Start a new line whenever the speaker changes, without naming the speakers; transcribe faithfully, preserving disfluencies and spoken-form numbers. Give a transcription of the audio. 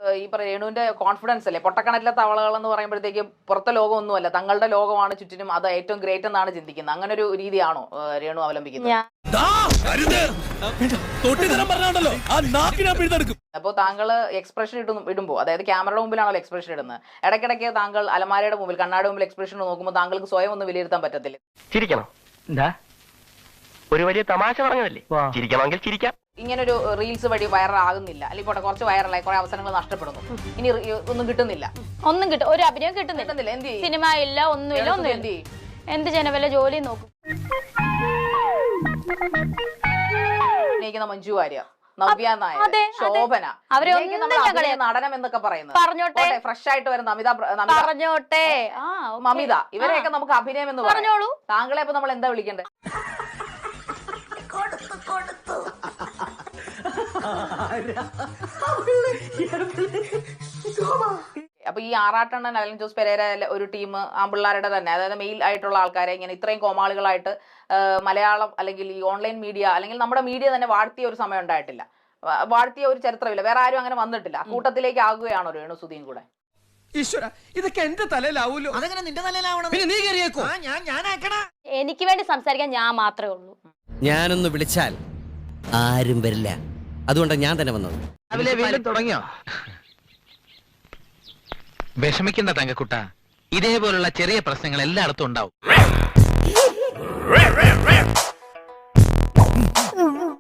ഈ രേണുവിന്റെ കോൺഫിഡൻസ് അല്ലേ, പൊട്ടക്കണറ്റിലെ തവളകൾ എന്ന് പറയുമ്പോഴത്തേക്കും പുറത്തെ ലോകമൊന്നുമല്ല, തങ്ങളുടെ ലോകമാണ് ചുറ്റിനും, അത് ഏറ്റവും ഗ്രേറ്റ് എന്നാണ് ചിന്തിക്കുന്നത്. അങ്ങനെ ഒരു രീതിയാണോ രേണു അവലംബിക്കുന്നത്? അപ്പോൾ താങ്കൾ എക്സ്പ്രഷൻ ഇട്ടു ഇടുമ്പോൾ, അതായത് ക്യാമറയുടെ മുമ്പിലാണല്ലോ എക്സ്പ്രഷൻ ഇടുന്നത്, ഇടയ്ക്കിടയ്ക്ക് താങ്കൾ അലമാരയുടെ മുമ്പിൽ കണ്ണാടി മുമ്പിൽ എക്സ്പ്രഷൻ നോക്കുമ്പോൾ താങ്കൾക്ക് സ്വയം ഒന്ന് വിലയിരുത്താൻ പറ്റത്തില്ല?
ചിരിക്കണം, എന്താ ഒരു വലിയ തമാശ പറഞ്ഞതല്ലേ, ചിരിക്കണമെങ്കിൽ ചിരിക്കാം.
ഇങ്ങനൊരു റീൽസ് വഴി വൈറലാകുന്നില്ല, അല്ലെങ്കിൽ കുറച്ച് വൈറലായി കുറെ അവസരങ്ങൾ നഷ്ടപ്പെടുന്നു, ഇനി ഒന്നും കിട്ടുന്നില്ല,
ഒന്നും കിട്ടും, ഒരു അഭിനയം കിട്ടുന്നില്ല,
എന്ത്
സിനിമ ഇല്ല, ഒന്നുമില്ല, ഒന്നും എന്ത് എന്ത് ജനവല്ല ജോലി നോക്കും.
മഞ്ജു വാര്യർ, നവ്യ നായർ, ശോഭന, നടനം എന്നൊക്കെ പറയുന്നത്
പറഞ്ഞോട്ടെ,
ഫ്രഷ് ആയിട്ട് വരുന്ന അമിത
പറഞ്ഞോട്ടെ,
മമിത, ഇവരെയൊക്കെ നമുക്ക് അഭിനയം എന്ന് പറഞ്ഞോളൂ. താങ്കളെ ഇപ്പൊ നമ്മൾ എന്താ വിളിക്കണ്ടേ? അപ്പൊ ഈ ആറാട്ടണ്ണൻ അലൻ ജോസ് പെരേര ഒരു ടീം ആമ്പിള്ളാരുടെ തന്നെ, അതായത് മെയിൽ ആയിട്ടുള്ള ആൾക്കാരെ ഇങ്ങനെ ഇത്രയും കോമാളികളായിട്ട് മലയാളം അല്ലെങ്കിൽ ഈ ഓൺലൈൻ മീഡിയ അല്ലെങ്കിൽ നമ്മുടെ മീഡിയ തന്നെ വാഴ്ത്തിയ ഒരു സമയം ഉണ്ടായിട്ടില്ല, വാഴ്ത്തിയ ഒരു ചരിത്രമില്ല, വേറെ ആരും അങ്ങനെ വന്നിട്ടില്ല. കൂട്ടത്തിലേക്ക് ആകുകയാണോ രേണു സുധിയും കൂടെ?
ഈശ്വര, ഇതൊക്കെ എന്റെ തലയിലാവൂലോ. അതെങ്ങനെ നിന്റെ തലയിലാവണം? പിന്നെ നീ കയറിയേക്കോ? ഞാൻ ഞാനാക്കണ.
എനിക്ക് വേണ്ടി സംസാരിക്കാൻ ഞാൻ മാത്രമേ ഉള്ളൂ.
ഞാനൊന്ന് വിളിച്ചാൽ ആരും വരില്ല, അതുകൊണ്ടാണ് ഞാൻ തന്നെ വന്നത്.
രാവിലെ വീണ്ടും തുടങ്ങിയോ? വിഷമിക്കണ്ട തങ്കക്കുട്ട, ഇതേപോലുള്ള ചെറിയ പ്രശ്നങ്ങൾ എല്ലായിടത്തും ഉണ്ടാവും.